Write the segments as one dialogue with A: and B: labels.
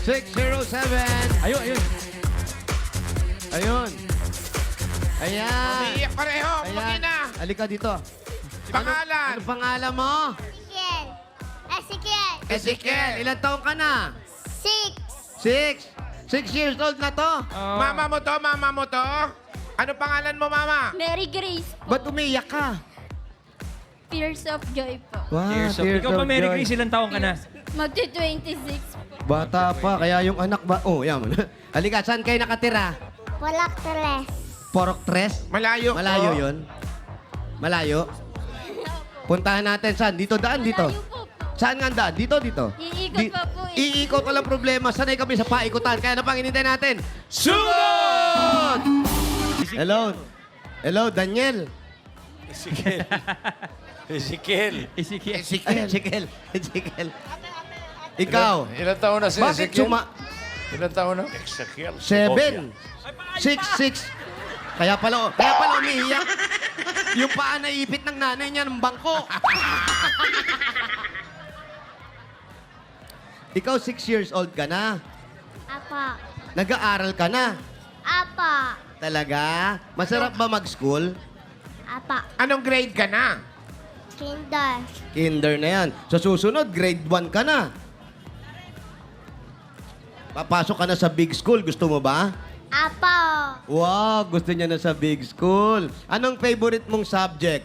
A: 607.
B: Ayun, ayun.
A: Ayun. Ayan.
C: Umiiyak pareho.
A: Ayan.
C: Mag-ina.
A: Halika dito.
C: Pangalan.
A: Ano pangalan mo?
D: Ezekiel. Ezekiel.
A: Ezekiel. Ilan taong ka na?
D: 6.
A: 6 years old na to.
C: Mama mo to, mama mo to. Ano pangalan mo, mama?
D: Mary Grace po.
A: Ba't umiiyak ka?
D: Tears of Joy po.
A: Wow,
B: Tears of... Ikaw pa, Mary Grace, ilang taong ka na?
D: Magti-26 po.
A: Bata pa, kaya yung anak ba? Oh, yan mo. Halika, saan kayo nakatira?
D: Walang teres.
A: Porok Tres?
C: Malayo.
A: Malayo yun? Malayo? Puntahan natin saan? Dito, daan dito.
D: Malayo po.
A: Saan nga ang daan? Dito, dito.
D: Iikot pa po eh.
A: Iikot, walang problema. Sanay kami sa paikutan. Kaya na pang inintay natin.
B: Sugod!
A: Hello. Hello, Daniel.
E: Ezekiel. Ezekiel.
B: Ezekiel.
A: Ay, Ezekiel. Ezekiel. Ikaw.
E: Ilan taon na si
A: Bakit
E: Ezekiel? Ilan taon na? Ezekiel.
A: 7. 6. Kaya pala umiiyak. Yung paa naipit ng nanay niya ng bangko. Ikaw 6 years old ka na.
D: Apa.
A: Nag-aaral ka na.
D: Apa.
A: Talaga? Masarap ba mag-school?
D: Apa.
C: Anong grade ka na?
D: Kinder.
A: Kinder na yan. Sa susunod, grade 1 ka na. Papasok ka na sa big school. Gusto mo ba?
D: Apa.
A: Wow, gusto niya na sa big school. Anong favorite mong subject?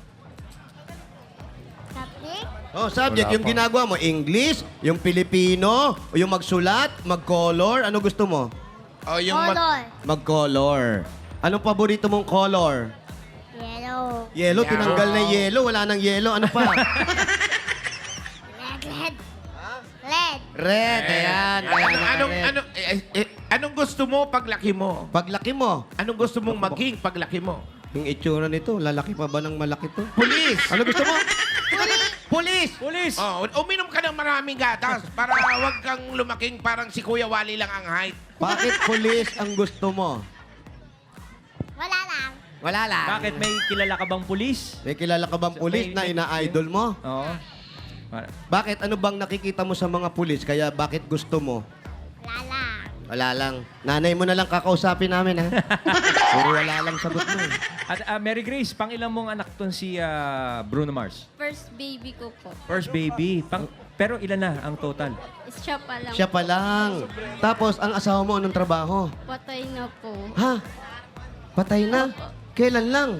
D: Tapik.
A: Oh, subject.
E: Wala
A: Yung
E: pa.
A: ginagawa mo, English, yung Pilipino, o yung magsulat, mag-color. Ano gusto mo?
C: O yung
D: Color.
A: Mag-color. Anong paborito mong color?
D: Yellow.
A: Yellow,
C: Yeah.
A: tinanggal na yung yellow. Wala nang yellow. Ano pa?
D: Red. Red.
A: Red. Ayan. Ayan,
C: anong gusto mo paglaki mo?
A: Paglaki mo,
C: Anong gusto mong maging paglaki mo?
A: yung itsura nito, lalaki pa ba ng malaki to?
C: Pulis.
A: Ano gusto mo? Police!
B: Police!
C: Oh, uminom ka ng maraming gatas para wag kang lumaking parang si Kuya Wally lang ang height.
A: Bakit police ang gusto mo?
D: Wala lang.
A: Wala lang.
B: Bakit may kilala ka bang pulis?
A: May kilala ka bang police na ina-idol mo?
B: Oo.
A: Bakit? Ano bang nakikita mo sa mga pulis? Kaya bakit gusto mo?
D: Wala lang.
A: Wala lang. Nanay mo na lang kakausapin namin, ha? Puro wala lang sagot mo. eh.
B: At Mary Grace, pang ilang mong anak ton si Bruno Mars?
D: First baby ko po.
B: First baby. Pero ilan na ang total?
D: Siya pa lang.
A: Siya pa lang. Tapos, ang asawa mo, anong trabaho?
D: Patay na po.
A: Ha? Patay na? Kailan lang?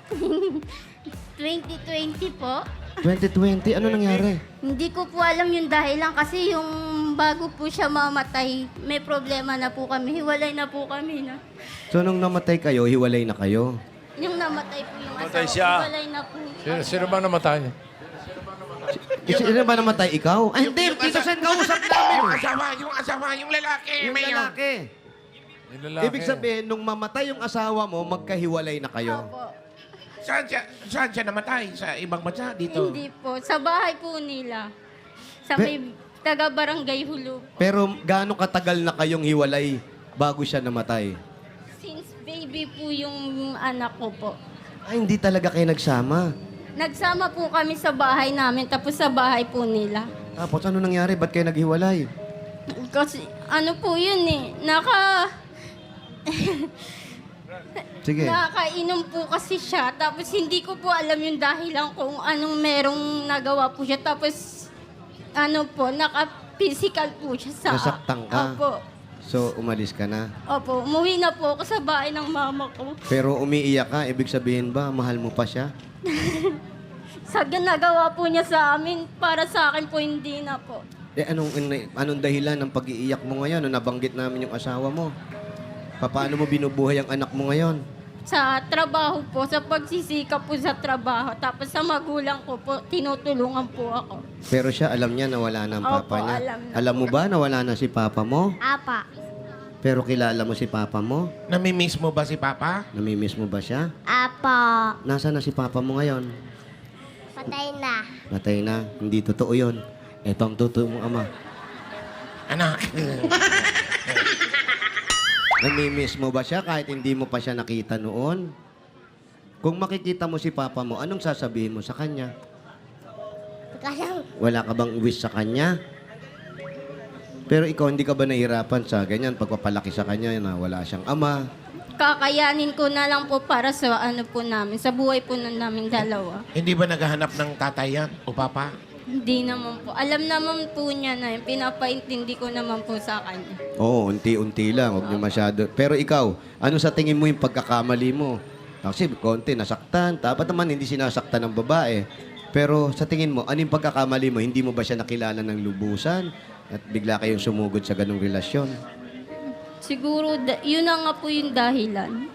D: 2020 po.
A: 2020? Ano nangyari?
D: Hindi ko po alam yung dahilan kasi yung bago po siya mamatay, may problema na po kami. Hiwalay na po kami na.
A: So, nung namatay kayo, hiwalay na kayo?
D: Yung namatay po yung
E: Namatay
D: asawa,
E: siya.
D: hiwalay na po.
E: Sino ba namatay?
A: Sino ba namatay? Ikaw? Ay, hindi. Dito sa kausap namin.
C: Yung lalaki.
A: Yung
C: Mayor.
A: lalaki.
E: Yung lalaki.
A: Ibig sabihin, nung mamatay yung asawa mo, magkahiwalay na kayo.
D: Opo.
C: Saan siya namatay? Sa ibang bansa? Dito?
D: Hindi po. Sa bahay po nila. Sa
A: Pe-
D: may taga-barangay Hulu.
A: Pero gaano katagal na kayong hiwalay bago siya namatay?
D: Since baby po yung anak ko po.
A: Ay, hindi talaga kayo nagsama.
D: Nagsama po kami sa bahay namin, tapos sa bahay po nila.
A: Tapos ano nangyari? Ba't kayo naghiwalay?
D: Kasi ano po yun eh,
A: Sige.
D: nakainom po kasi siya. Tapos hindi ko po alam yung dahilan kung anong merong nagawa po siya. Tapos ano po, naka-physical po siya sa...
A: Nasaktan ka?
D: Opo.
A: So, umalis ka na.
D: Opo, umuwi na po ako sa bahay ng mama ko.
A: Pero umiiyak ka, ibig sabihin ba, mahal mo pa siya?
D: Sa ginagawa po niya sa amin, para sa akin po hindi na po.
A: Eh, anong dahilan ng pag-iiyak mo ngayon? Nung nabanggit namin yung asawa mo. Paano mo binubuhay ang anak mo ngayon?
D: Sa trabaho po, sa pagsisikap po sa trabaho. Tapos sa magulang ko po, tinutulungan po ako.
A: Pero siya, alam niya na wala na ang
D: Opo,
A: papa niya.
D: alam na.
A: Alam mo ba na wala na si papa mo?
D: Apa.
A: Pero kilala mo si papa mo?
C: Namimiss mo ba si Papa?
A: Namimiss mo ba siya?
D: Apa.
A: Nasaan na si papa mo ngayon?
D: Patay na.
A: Natay na. Hindi totoo yun. Ito ang totoo mong ama.
C: Anak.
A: Namimiss mo ba siya kahit hindi mo pa siya nakita noon? Kung makikita mo si papa mo, anong sasabihin mo sa kanya?
D: Kasi
A: Wala ka bang wish sa kanya? Pero ikaw, hindi ka ba nahihirapan sa ganyan, pagpapalaki sa kanya na wala siyang ama?
D: Kakayanin ko na lang po para sa ano po namin, sa buhay po na namin dalawa.
C: Hindi ba naghahanap ng tatay yan o papa?
D: Hindi naman po. Alam naman po niya na yun. Pinapaintindi ko naman po sa kanya.
A: Oo, unti-unti lang. Huwag niyo masyado. Pero ikaw, ano sa tingin mo yung pagkakamali mo? Kasi konti, nasaktan. Dapat naman hindi sinasaktan ng babae. Pero sa tingin mo, ano yung pagkakamali mo? Hindi mo ba siya nakilala ng lubusan? At bigla kayong sumugod sa ganong relasyon?
D: Siguro, yun na nga po yung dahilan.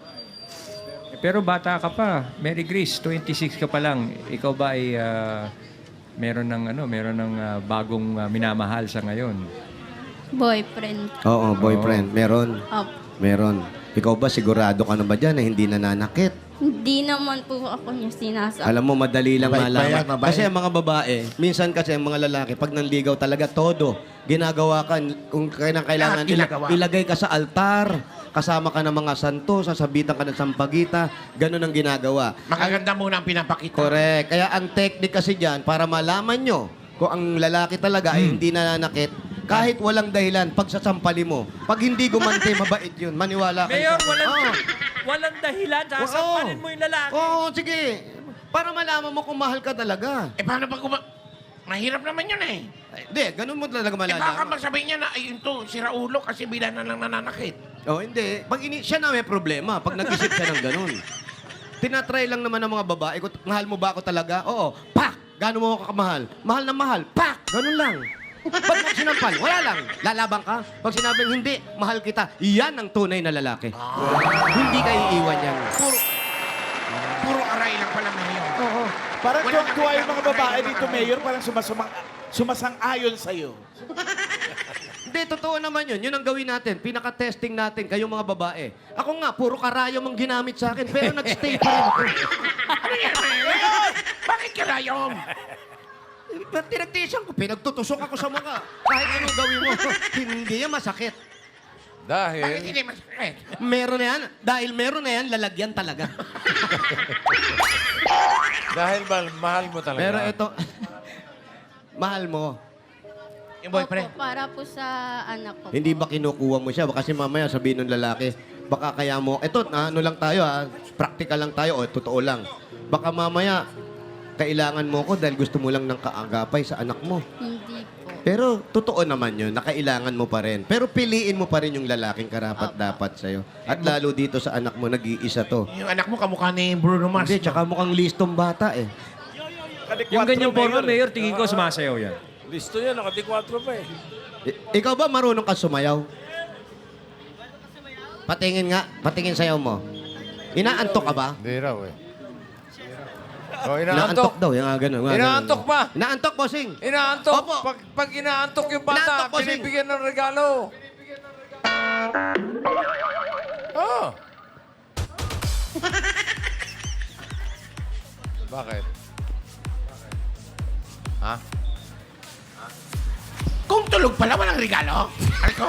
B: Pero bata ka pa. Mary Grace, 26 ka pa lang. Ikaw ba ay meron ng bagong minamahal sa ngayon?
D: Boyfriend.
A: Oo, boyfriend. Meron.
D: Opo.
A: Meron. Ikaw ba, sigurado ka na ba dyan na hindi nananakit?
D: Hindi naman po ako niya sinasabi.
A: Alam mo, madali lang
C: Mabait ba yan?
A: malaman.
C: Mabait?
A: Kasi ang mga babae, minsan kasi ang mga lalaki, pag nanligaw talaga, todo. Ginagawa ka, kung kailangan,
C: Lahat ginagawa.
A: ilagay ka sa altar, kasama ka ng mga santo, sasabitan ka ng sampagita, ganun ang ginagawa.
C: Makaganda muna ang pinapakita.
A: Correct. Kaya ang technique kasi dyan, para malaman nyo kung ang lalaki talaga ay hindi nananakit, kahit walang dahilan, pagsasampali mo. Pag hindi gumante, mabait yun. Maniwala kayo.
B: Mayor,
A: sa akin. Oo.
B: walang dahilan. Sasampalin mo yung lalaki.
A: Oo, sige. Para malaman mo kung mahal ka talaga.
C: Paano pag mahirap naman yun eh.
A: Ay, Hindi, ganun mo talaga
C: Baka
A: malalaman.
C: magsabihin niya na, ayun to, sira ulo kasi bila na lang nananakit.
A: Oh, hindi. Siya na may problema pag nag-isip siya ng ganun. Tinatry lang naman ng mga babae ko, mahal mo ba ako talaga? Oo. Pak! Gano'n mo ako kamahal? Mahal na mahal. Pak! Ganun lang. Pag mo sinampal, wala lang. Lalabang ka. Pag sinabing hindi, mahal kita, yan ang tunay na lalaki. Hindi ka iiwan yan.
C: Puro aray lang pala ngayon.
A: Oo.
F: Parang
C: Wala
F: tuwang-tuwa yung mga
C: nakikita
F: babae
C: ng
F: dito,
C: mga-
F: Mayor, parang sumasang-ayon sa'yo.
A: Hindi, totoo naman yun. Yun ang gawin natin. Pinaka-testing natin, kayong mga babae. Ako nga, puro karayom ang ginamit sa akin, pero nag-stay pa rin ako.
C: Ano yan, Mayor? Bakit karayom?
A: Tinagtisan ko, pinagtutusok ako sa mga. Kahit anong gawin mo, hindi yan masakit.
C: Bakit
E: Dahil,
C: hindi masakit?
A: Meron na yan. Dahil meron na yan, lalagyan talaga.
E: dahil mahal mo talaga.
A: Pero ito, mahal mo.
C: Yung boyfriend?
D: Opo, para po sa anak ko.
A: Hindi ba kinukuha mo siya? Kasi mamaya sabihin ng lalaki, baka kaya mo, eto, ano lang tayo ha, practical lang tayo, o totoo lang. Baka mamaya, kailangan mo ko dahil gusto mo lang ng kaagapay sa anak mo.
D: Hindi po.
A: Pero totoo naman yun, na kailangan mo pa rin. Pero piliin mo pa rin yung lalaking karapat-dapat sa'yo. At lalo dito sa anak mo, nag-iisa to.
C: Yung anak mo kamukha ni Bruno Mars.
A: Hindi, tsaka mukhang listong bata eh.
B: Yung ganyang forma, Mayor, tingin ko sumasayaw yan.
E: Listo yan, naka-4 pa eh.
A: Ikaw ba marunong ka sumayaw? Patingin sayaw mo. Inaantok ka ba?
E: Hindi raw eh. Oh,
A: Inaantok
E: inaantok.
A: daw, yung ganun.
E: Inaantok pa.
A: Inaantok, bossing.
E: Inaantok.
A: Opo.
E: Pag inaantok yung
A: Inaantok,
E: bata,
A: bossing.
E: binibigyan ng regalo. Oh. Bakit? Ha?
C: Kung tulog pala, walang regalo. Aliko?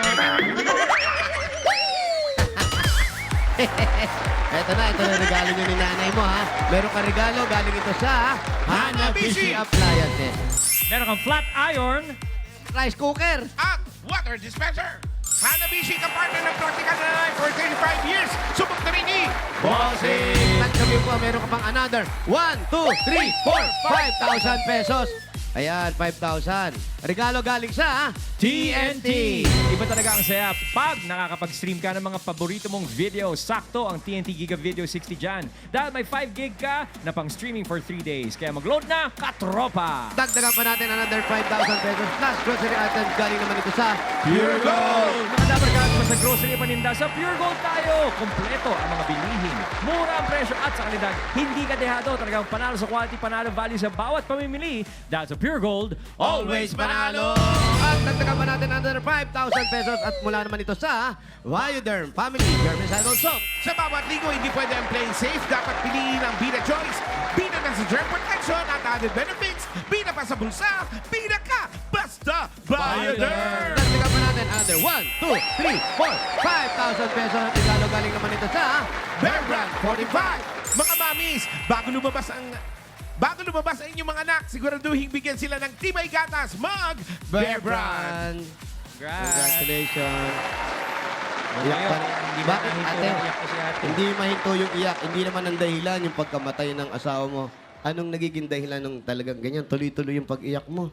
A: Ito na regalo nyo ni nanay mo, ha? Meron ka regalo, galing ito sa Hanabishi Appliances.
B: Meron kang flat iron.
A: Rice cooker.
C: At water dispenser. Hanabishi ka partner ng Practical na Life for 35 years. Subok na rin ni
A: Bossing! Tagsabi ko, meron ka pang another 1, 2, 3, 4, 5,000 pesos. Ayan, 5,000. Regalo galing sa
B: TNT. Iba talaga ang saya pag nakakapag-stream ka ng mga paborito mong video. Sakto ang TNT Giga Video 60 dyan. Dahil may 5 gig ka na pang streaming for 3 days. Kaya mag-load na, katropa!
A: Dagdagan pa natin another 5,000 pesos plus grocery items galing naman ito sa
B: Pure Gold! Mga dabarkaan pa sa grocery paninda, sa Pure Gold tayo! Kompleto ang mga bilihin. Mura ang presyo at sa kalidad. Hindi ka dehado. Talagang panalo sa quality, panalo value sa bawat pamimili. Dahil sa Pure Gold, always panalo!
A: At dagdagan pa natin another 5,000 pesos at mula naman ito sa Bioderm Family Germicidal Soap.
C: Sa bawat ligo, hindi pwede ang playing safe. Dapat piliin ang Bida Choice. Bida na sa germ protection at added benefits. Bida pa sa bulsa. Bida ka! Basta Bioderm!
A: Dagdagan pa natin another 1, 2, 3, 4, 5,000 pesos at regalo galing naman ito sa
C: Bear Brand 45. Mga mamis, bago lumabas ang Bago lumabas ang inyong mga anak, siguraduhin bigyan sila ng Tibay Gatas Mug Bear Brand.
A: Congratulations. Iyak pa rin.
B: Hindi
A: Bakit,
B: mahinto
A: ate?
B: yung iyak ko si ate.
A: Hindi mahinto yung iyak. Hindi naman ang dahilan yung pagkamatay ng asawa mo. Anong nagiging dahilan ng talagang ganyan? Tuloy-tuloy yung pag-iyak mo.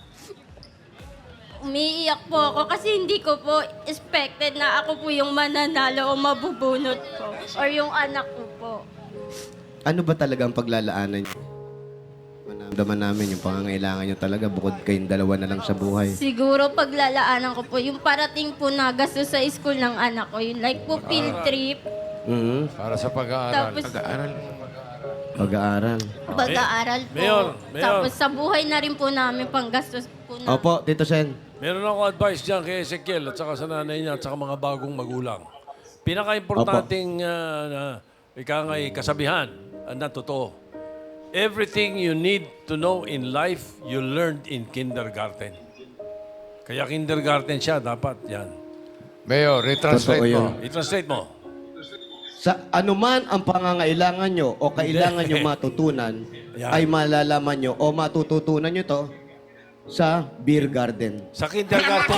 D: Umiiyak po ako kasi hindi ko po expected na ako po yung mananalo o mabubunot po. Or yung anak ko po.
A: Ano ba talaga ang paglalaanan niyo? Manamdaman namin yung pangangailangan niyo talaga bukod kayong dalawa na lang sa buhay.
D: Siguro paglalaanan ko po, yung parating po na gasto sa school ng anak ko, yung like po field trip,
A: Mhm.
E: Para sa pag-aaral.
D: tapos
A: Pag-aaral.
D: pag-aaral po.
G: Mayor, Mayor.
D: Tapos sa buhay na rin po namin panggastos po na.
A: Opo, Tito Sen.
G: Meron ako advice dyan kay Ezekiel at saka sa nanay niya at saka mga bagong magulang. Pinaka-importanting kasabihan na totoo. Everything you need to know in life, you learned in kindergarten. Kaya kindergarten siya, dapat yan.
E: Mayor, retranslate
A: Totoo
E: mo.
A: yun.
G: I-translate mo.
A: Sa anuman ang pangangailangan nyo o kailangan nyo matutunan,
G: Yan.
A: ay malalaman nyo o matututunan nyo to sa beer garden.
G: Sa kindergarten,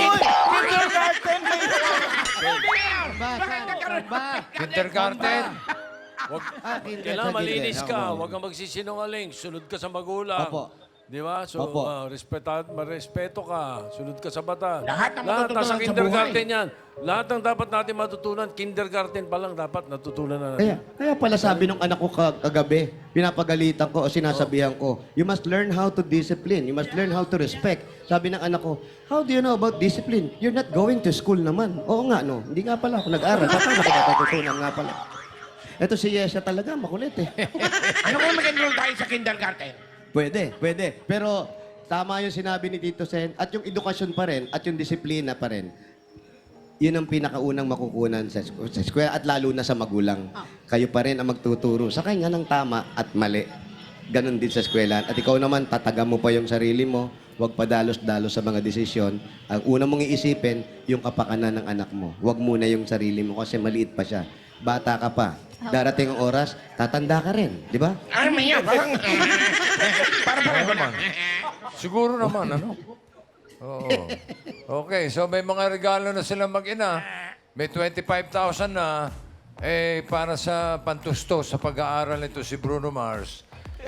E: Kindergarten.
G: wag,
A: kinder,
G: kailangan
A: sa
G: malinis
A: kinder.
G: ka.
A: Oo.
G: Huwag kang magsisinungaling. Sunod ka sa magulang.
A: Opo.
G: Di ba? So,
A: Opo.
G: marespeto ka. Sunod ka sa bata.
C: Lahat ng matututunan
G: nasa
C: sa
G: kindergarten yan. Lahat ng dapat natin matutunan, kindergarten pa lang dapat natutunan na natin.
A: Kaya pala sabi nung anak ko kagabi, pinapagalitan ko o sinasabihan ko, you must learn how to discipline. You must learn how to respect. Sabi ng anak ko, how do you know about discipline? You're not going to school naman. Oo nga, no. Hindi nga pala ako nag-aral. Paano ko natutunan nga pala? Ito si Yesha talaga, makulit eh.
C: Ano kung mag-enroll tayo sa kindergarten?
A: Pwede. Pero tama yung sinabi ni Tito Sen at yung edukasyon pa rin at yung disiplina pa rin. Yun ang pinakaunang makukunan sa eskwela at lalo na sa magulang. Kayo pa rin ang magtuturo sa kanya ng tama at mali. Ganon din sa eskwela. At ikaw naman, tataga mo pa yung sarili mo. Huwag padalos-dalos sa mga desisyon. Ang una mong iisipin, yung kapakanan ng anak mo. Huwag muna yung sarili mo kasi maliit pa siya. Bata ka pa. Darating ang oras, tatanda ka rin. Di ba?
C: Ano man yan? Parang
E: naman. Siguro naman, ano? Oo. Okay, so may mga regalo na sila mag-ina. May 25,000 na para sa pantusto sa pag-aaral nito si Bruno Mars.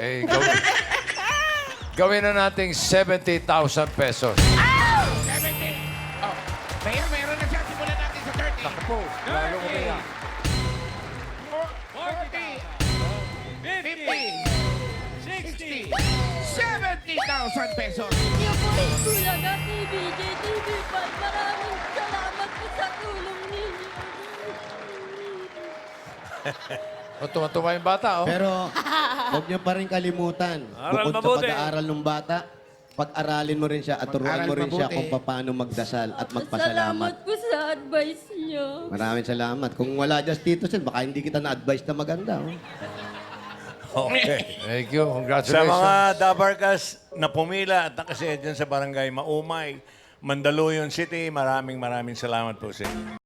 E: Gawin na nating 70,000 pesos.
C: 70. Oh, Mayor, meron na siya. Simulan natin sa 30.
E: Naku po, lalo ko kaya.
C: 40, 50, 60, 70,000 pesos.
D: Thank you po rin Bulaga TVJ, TV5. Maraming salamat po sa tulong ninyo.
E: O, tuwa-tuwa yung bata, oh.
A: Pero huwag niyo pa rin kalimutan.
G: Aral
A: Bukod
G: mabuti.
A: sa pag-aaral ng bata, pag-aralin mo rin siya at turuan
C: Mag-aral
A: mo rin siya
C: mabuti.
A: kung paano magdasal at
D: Salamat
A: magpasalamat.
D: po sa advice niyo.
A: Maraming salamat. Kung wala dyan Tito Sen, baka hindi kita na-advise na maganda. Oh.
H: Okay.
E: Thank you.
H: Sa
E: Congratulations.
H: mga Dabarkas na pumila at nakasaya dyan sa Barangay Maumay, Mandaluyong City, maraming salamat po sa inyo.